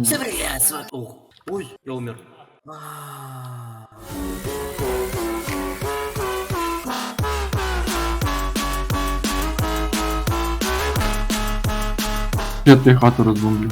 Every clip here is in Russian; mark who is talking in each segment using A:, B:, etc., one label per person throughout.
A: Привет, Ух, ой, я умер. А.
B: Я тебе хату разбомблю.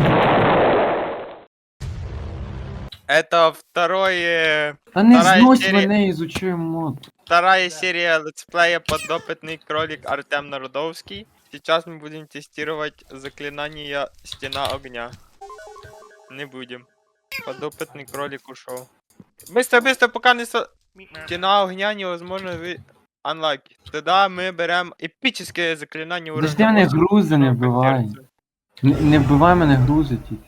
C: Это второе...
B: Та не
C: Вторая
B: знось
C: серия.
B: мене, изучи мод.
C: Вторая серия летсплея «Подопытный кролик» Артем Народовский. Сейчас мы будем тестировать заклинание «Стена огня». Не будем. Подопытный кролик ушел. Быстро, быстро, пока не... Стена огня невозможно Unlucky. Тогда мы берем эпическое заклинание уровня
B: Подожди, мене
C: 8,
B: грузи не
C: кнопка
B: вбивай.
C: сердца.
B: Не вбивай мене грузи тільки.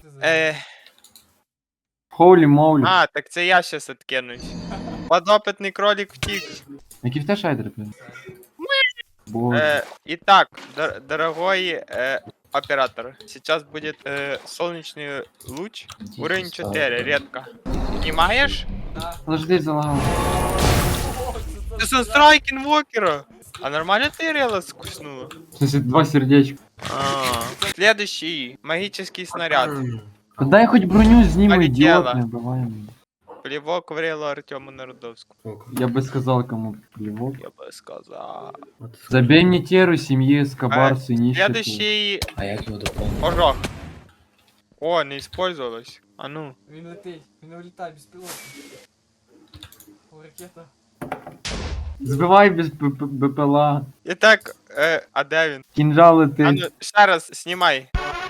B: Хоулі моулі.
C: А, так це я щас откинусь. Подопытный кролик втік.
B: Які в те шайдери, блядь? Боже.
C: Итак, дорогой оператор, сейчас будет солнечный луч, уровень 4, редко. Понимаешь?
B: Подожди, залагав.
C: Ты санстрайк инвокера! А нормально ты рела скуснула?
B: В смысле, 2 сердечка.
C: Следующий, магический снаряд.
B: Та дай хоч броню зніми,
C: Полетела.
B: ідіот, не вбивай мене.
C: Плевок в релу Артему Народовскому.
B: Я би сказав, кому плевок.
C: Я бы сказал.
B: Забей мне теру семьи, скобарсы, нищету.
C: Следующий,
A: А як його доповнити?
C: ожог. О, не использовалось. А ну.
D: Він летить, він улітає без пілота. О, ракета.
B: Збивай без БПЛА.
C: Итак, а де він?
B: Кинжал
C: А
B: летить.
C: ну, еще раз снимай.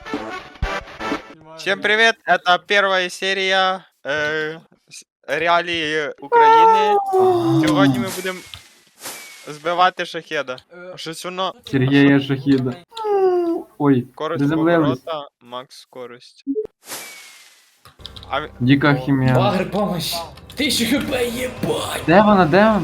C: Всем привет, это первая серия реалії України. Сьогодні ми будемо збивати шахеда. Щось воно
B: Сергея Шахида. Ой,
C: скорость
B: заземлились.
C: поворота, макс скорость. А
B: Дика хімія.
A: Багр, помощь! 1000 хп, єбать!
B: Де вона, де вона?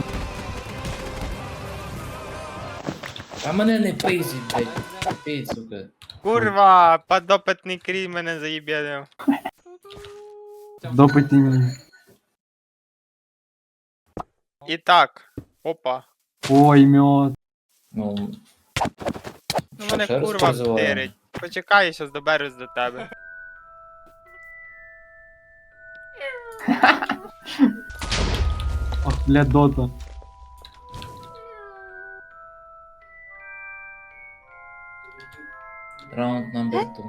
A: А мене не пиздіть, блядь. Пий, сука.
C: курва, подопитний крій мене заїбєдив.
B: Допитні.
C: І так, опа.
B: Ой, мед.
A: Ну,
C: Ну мене
A: ще раз
C: курва
A: призиваємо?
C: втирить. Почекай, я щас доберусь до тебе.
B: Ох, бля, дота.
A: Раунд номер 2.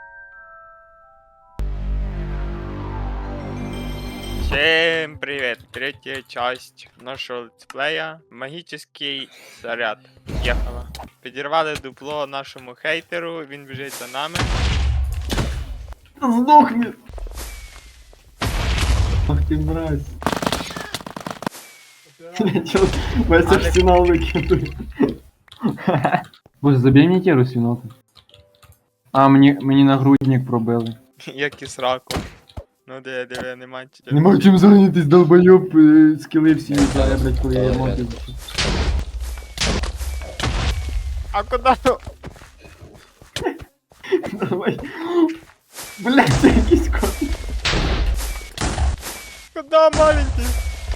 C: Всем привет! Третья часть нашего летсплея. Магический заряд. Ехала. Підірвали дупло нашому хейтеру, він біжить за нами.
B: Сдохни! Ах ты мразь. Бля, чё, весь
C: Але-
B: арсенал выкидывает. Боже, забей мне теру, свинота. А, мені нагрудник пробили.
C: Як і сраку. Ну диви, нема чого.
B: Нема чим зайнятись, долбойоб, скіли всі віддає, блядь, коли я мотив.
C: А куди?
B: Давай. Блядь, це якийсь кот.
C: Куда маленький?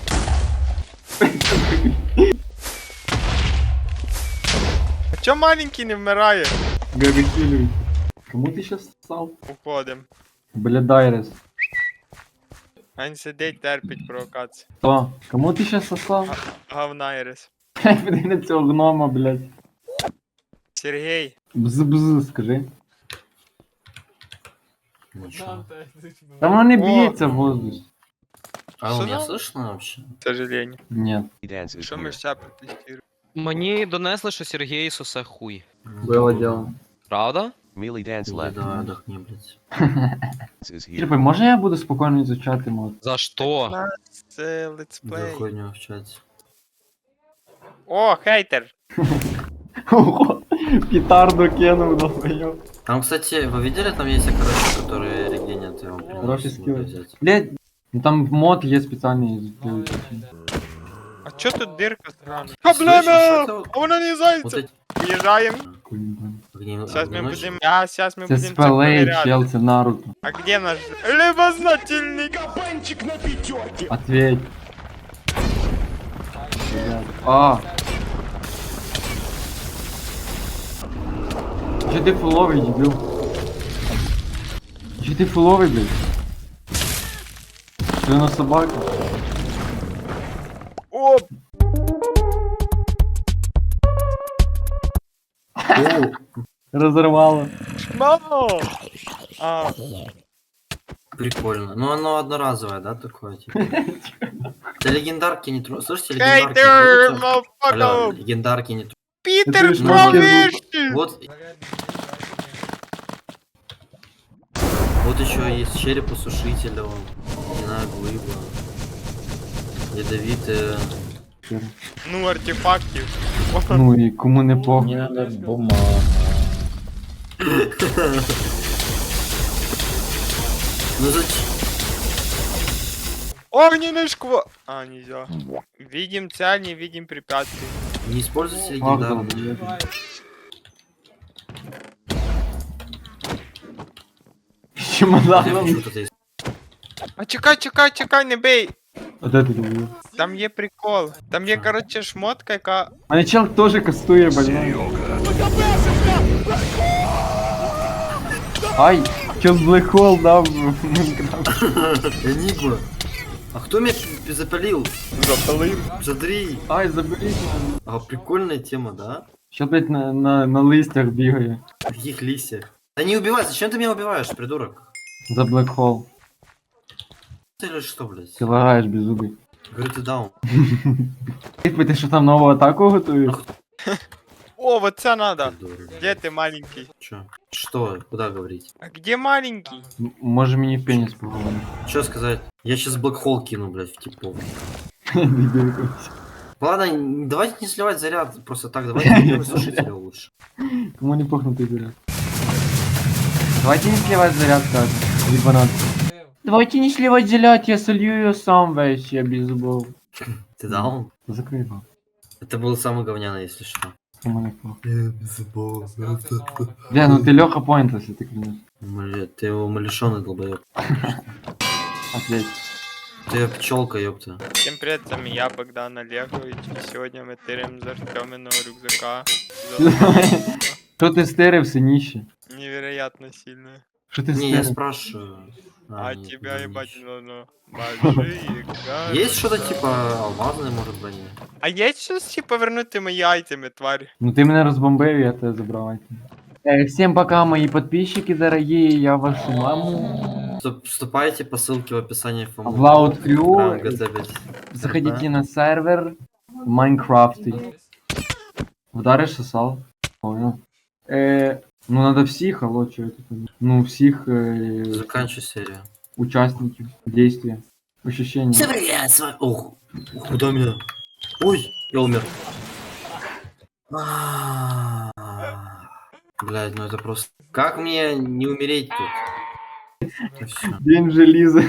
C: А чо маленький не вмирає?
B: Габи Хиллери. Кому ты сейчас ссал?
C: Уходим.
B: Бля, Дайрес.
C: Він сидить, терпить провокацію.
B: Кто? Кому ты сейчас сосал?
C: Говнайрес.
B: Блядь, подивись на цього гнома, блядь.
C: Сергій.
B: Бз-бз, скажи.
A: Ну чё?
D: Данте,
B: Там воно не
C: О.
B: б'ється в воздухе.
A: А у меня
C: Что?
A: слышно вообще?
C: К сожалению.
B: Нет.
C: Що ми ще протестуємо?
E: Мені донесли, що Сергій сосе хуй.
B: Было дело.
E: Правда?
F: Melee dance left.
A: Давай отдохни, блядь.
F: Is here.
B: Типа, може я буду спокійно изучати мод?
E: За що?
C: Це
A: За
C: летсплей.
A: хуйню в чате.
C: О, хейтер!
B: Ого, петарду кинув, долбоёб.
A: Там, кстати, вы видели, там есть короче, которые регенят его прям.
B: Хороший
A: можно
B: скилл.
A: взять.
B: Блядь, ну там мод є спеціальний.
C: А чо тут дирка срана?
A: Слышишь,
C: Проблема!
A: это
C: А вона не
A: Вот
C: зайця!
A: эти...
C: Уїжджаємо. Сейчас мы
A: огненочные.
C: будем... сейчас мы
B: Це
C: будем
B: спелей,
C: проверять.
B: чел, це Наруто.
C: А где наш любознательный?
B: Ответь. Блядь. А. Че ты фуловый, дебил? Чи ти фуловий, блядь? Ти на собака?
C: Оп!
A: О,
B: Розірвало.
C: Мамо! А,
A: прикольно. Ну оно одноразовое, да, такое? Типа? Да легендарки не трогай. Слышите,
C: Хейтер,
A: легендарки? Вот, алло,
C: мафака!
A: легендарки не трогай.
C: Питер
B: Это ж
C: Провещи!
A: Вот,
D: Зарядник
A: вот еще есть черепосушитель, он, не знаю, глыба. Ядовитые.
C: Ну, артефактів.
B: Ну і кому не похуй.
G: Мне надо бумага.
A: Ну зачем?
C: Огненный шквал! А, нельзя. Видим цель, не видим препятствий.
A: Не используйте
B: Ах,
A: легендарные.
B: да,
D: Давай.
B: З
A: Я хочу
B: чемоданом.
A: вот это
C: А чекай, не бей!
B: А де ти думав?
C: Там є прикол. Там є, коротше, шмотка, яка.
B: Мене чел теж кастує, блядь. Ай, чел Black Hole дав в Майнкрафт.
A: Энигма. А кто меня запалил?
C: Запалив.
A: Смотри.
B: Ай, заберіть мене.
A: А прикольная тема, да?
B: Що, блядь, на листях бігає.
A: На каких листьях? Да не убивай, зачем ты меня убиваешь, придурок?
B: За Black Hole.
A: Ты или что, блядь?
B: Ти лагаєш беззубий.
A: Говорю, ты даун.
B: Ти що там нову атаку готуєш?
C: О, вот це надо.
A: Придурок.
C: Где ты маленький?
A: Чё? Что? Куда говорить?
C: А где маленький?
B: Може мені в пеніс поговорити?
A: Что сказать? Я сейчас блэкхол кину, блядь, в типов.
B: Дебіл якийсь.
A: Ладно, давайте не сливать заряд просто так, давайте сушителя лучше.
B: Кому не пухнутий заряд? Давайте не сливать заряд, скажем. Ебанат. Давайте не сливать заряд, я солью ее сам весь, я без зубов.
A: Ты даун?
B: Закрой его.
A: Это был самый говняный, если что.
B: Кому не похуй.
A: Без зубов.
B: Бля, ну ты Леха Пойнт, если ты клянешь.
A: Ты умалишенный долбоёб.
B: Ответь.
A: Ты пчелка, ёпта.
C: Всем привет, с вами я, Богдан Олегович. И сегодня мы тырим за Артёминого рюкзака.
B: Что ты стырив, синище?
C: Невероятно сильно.
B: Что ты
A: Не, я
B: стырив?
A: спрашиваю.
C: А
A: нет,
C: тебя
A: не
C: ебать
A: ищу.
C: ну большие гады.
A: Есть что-то типа алмазной, может, брони?
C: А есть щось типа вернути мої айтеми, тварь?
B: Ну ты меня разбомбил, я тебя забрал. Всем пока, мои подписчики дорогие, я вашу маму.
A: Вступайте по ссылке в описании в
B: В Loud Crew,
A: GT5.
B: заходите на сервер Майнкрафт. Вдаришь сосал? Понял. Ну надо всех, алло, что это? Ну всех
A: Заканчивай серию.
B: участников действия. Ощущения.
A: Всем привет, с вами... Ох, куда меня? Ой, я умер. Блядь, ну это просто... Как мне не умереть тут? И всё.
B: День железа.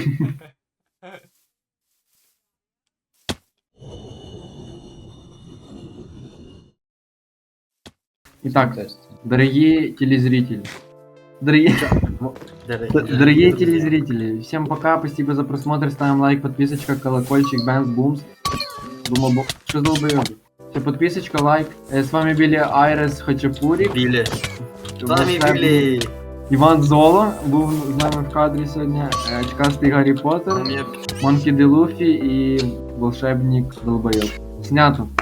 B: Итак, дорогие телезрители. Дорогие телезрители, всем пока, спасибо за просмотр, ставим лайк, подписочка, колокольчик, бэнс, бумс. Думал, что долбоёб. Все, подписочка, лайк. С вами были Айрес Хачапурик.
A: Били. С вами Били.
B: Іван Золо був з нами в кадрі сьогодні. Очкастий Гаррі
A: У
B: Поттер,
A: меня
B: Монкі Ді Луфі і волшебник Долбойоб. Снято.